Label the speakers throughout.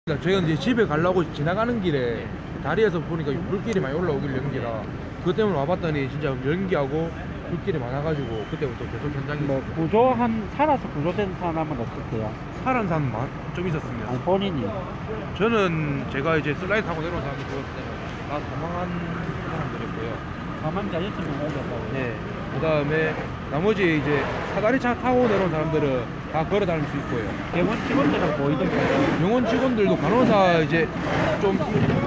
Speaker 1: 제가 이제 집에 가려고 지나가는 길에 다리에서 보니까 불길이 많이 올라오길 연기라 그것 때문에 와봤더니 진짜 연기하고 불길이 많아가지고 그때부터 계속 현장에
Speaker 2: 뭐 살아서 구조된 사람은 없을게요?
Speaker 1: 살은 사람 좀 있었습니다.
Speaker 2: 아니 본인이.
Speaker 1: 저는 제가 이제 슬라이드 타고 내려온 사람이 그것 때문에 다 사망한 사람들이었고요.
Speaker 2: 사망자 6명 오셨다고.
Speaker 1: 네. 그 다음에 나머지 이제 사다리차 타고 내려온 사람들은 다 걸어 다닐 수 있고요.
Speaker 2: 병원 직원들은 보이던가요?
Speaker 1: 병원 직원들도 간호사 이제 좀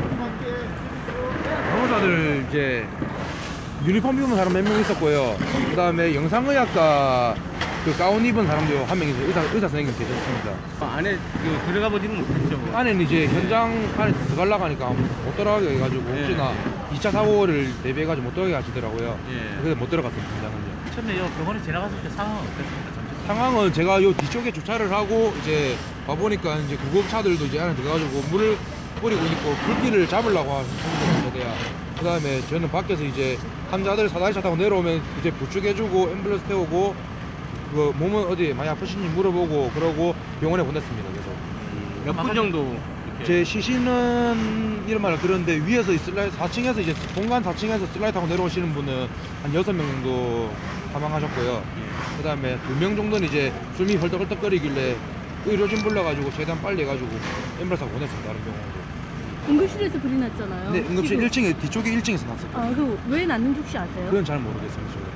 Speaker 1: 간호사들 이제 유니폼 입은 사람 몇 명 있었고요. 그 다음에 영상의학과 그 가운 입은 사람도 한 명 있어요. 의사 선생님 계셨습니다.
Speaker 3: 안에 들어가 보지는 못했죠.
Speaker 1: 안에는 이제 현장 안에 들어가려고 하니까 못 들어가게 해가지고 혹시나 2차 사고를 대비해가지고 못 들어가게 하시더라고요. 그래서 못 들어갔어요. 현장은요.
Speaker 3: 처음에 병원에 지나갔을 때 상황은 어땠습니까? 잠시
Speaker 1: 상황은 제가 요 뒤쪽에 주차를 하고 이제 와보니까 이제 구급차들도 이제 안에 들어가지고 물을 뿌리고 있고 불길을 잡으려고 하는 상태야. 그 다음에 저는 밖에서 이제 환자들 사다리차 타고 내려오면 이제 부축해주고 앰뷸런스 태우고 그 몸은 어디 많이 아프신지 물어보고 그러고 병원에 보냈습니다. 그래서
Speaker 3: 몇 분 정도
Speaker 1: 제 시신은 이런 말을 들었는데 위에서 슬라이드 4층에서 이제 공간 4층에서 슬라이드 타고 내려오시는 분은 한 6명 정도 사망하셨고요. 그 다음에 2명 정도는 이제 숨이 헐떡헐떡거리길래 의료진 불러가지고 최대한 빨리 해가지고 앰뷸런스 타고 보냈습니다. 다른 병원으로.
Speaker 4: 응급실에서 불이 났잖아요.
Speaker 1: 네, 응급실
Speaker 4: 지금.
Speaker 1: 1층에 뒤쪽에 1층에서 났어요.
Speaker 4: 아, 왜 났는지 혹시 아세요?
Speaker 1: 그건 잘 모르겠습니다. 저도.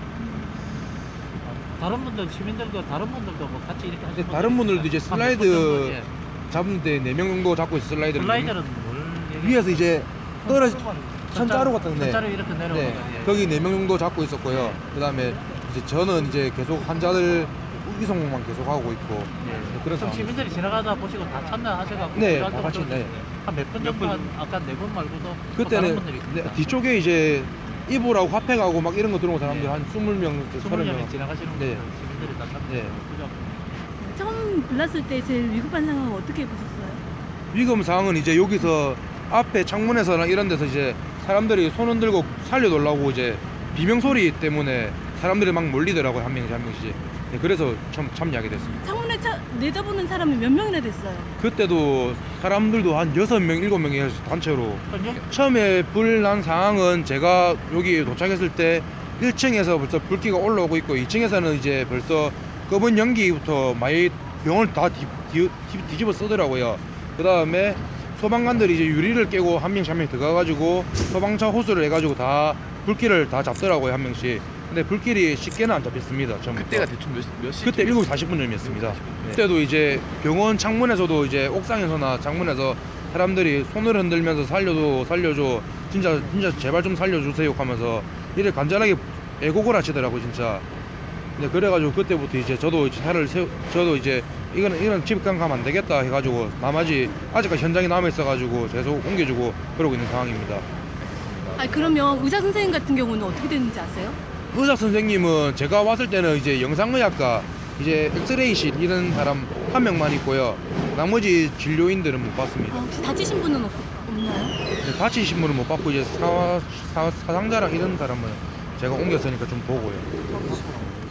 Speaker 3: 다른 분들 시민들도 다른 분들도 뭐 같이 이렇게 하시는
Speaker 1: 다른 분들도 이제
Speaker 3: 한 몇분 정도,
Speaker 1: 슬라이드 잡는데 4명 정도 잡고 있어 슬라이드를.
Speaker 3: 슬라이더는 뭘
Speaker 1: 위에서 이제 떨어지 천자로 같은데
Speaker 3: 천자로 이렇게 내려오는
Speaker 1: 네, 거기 4명 정도 잡고 있었고요. 그 다음에 이제 저는 이제 계속 환자들 이송만 계속 하고 있고 그런
Speaker 3: 그럼
Speaker 1: 상황.
Speaker 3: 시민들이 지나가다 보시고 다 참여하셔가지고
Speaker 1: 네, 다 같이, 네.
Speaker 3: 한 몇 분 정도 아까 4분 말고도 또 다른
Speaker 1: 그때는
Speaker 3: 분들이
Speaker 1: 네, 뒤쪽에 이제 이불하고 화팩하고 막 이런 거 들어온 사람들 한 20명,
Speaker 3: 20명이
Speaker 1: 30명.
Speaker 3: 지나가시는
Speaker 1: 네.
Speaker 3: 분들 시민들이 다 참여.
Speaker 1: 네.
Speaker 3: 그죠?
Speaker 4: 처음 불났을 때 제일 위급한 상황은 어떻게 보셨어요?
Speaker 1: 위험 상황은 이제 여기서 앞에 창문에서나 이런 데서 이제 사람들이 손 흔들고 살려달라고 이제 비명 소리 때문에 사람들이 막 몰리더라고요. 한 명씩 한 명씩. 네, 그래서 처음 참여하게 됐습니다.
Speaker 4: 창문에 내다보는 사람이 몇 명이나 됐어요?
Speaker 1: 그때도 사람들도 한 6명, 7명이 단체로.
Speaker 3: 그럼 여기
Speaker 1: 처음에 불 난 상황은 제가 여기 도착했을 때 1층에서 벌써 불기가 올라오고 있고 2층에서는 이제 벌써 검은 연기부터 많이 병을 다 뒤집어 쓰더라고요. 그 다음에 소방관들이 이제 유리를 깨고 한 명씩 한 명씩 들어가가지고 소방차 호수를 해가지고 다 불길을 다 잡더라고요. 한 명씩. 근데 불길이 쉽게는 안 잡혔습니다. 처음부터.
Speaker 3: 그때가 대충 몇 시?
Speaker 1: 그때 7시 40분쯤이었습니다. 그때도 이제 병원 창문에서도 이제 옥상에서나 창문에서 사람들이 손을 흔들면서 살려줘 진짜 제발 좀 살려주세요 하면서 이래 간절하게 애곡을 하시더라고요. 진짜. 근데 그래가지고 그때부터 이제 저도 이제 저도 이제 이건 집 가면 안 되겠다 해가지고 나머지 아직까지 현장에 남아 있어가지고 계속 옮겨주고 그러고 있는 상황입니다.
Speaker 4: 아, 그러면 의사 선생님 같은 경우는 어떻게 됐는지 아세요?
Speaker 1: 의사 선생님은 제가 왔을 때는 이제 영상의학과 이제 엑스레이실 이런 사람 한 명만 있고요. 나머지 진료인들은 못 봤습니다.
Speaker 4: 아, 혹시 다치신 분은 없나요?
Speaker 1: 다치신 분은 못 봤고 이제 사상자랑 이런 사람은 제가 옮겼으니까 좀 보고요.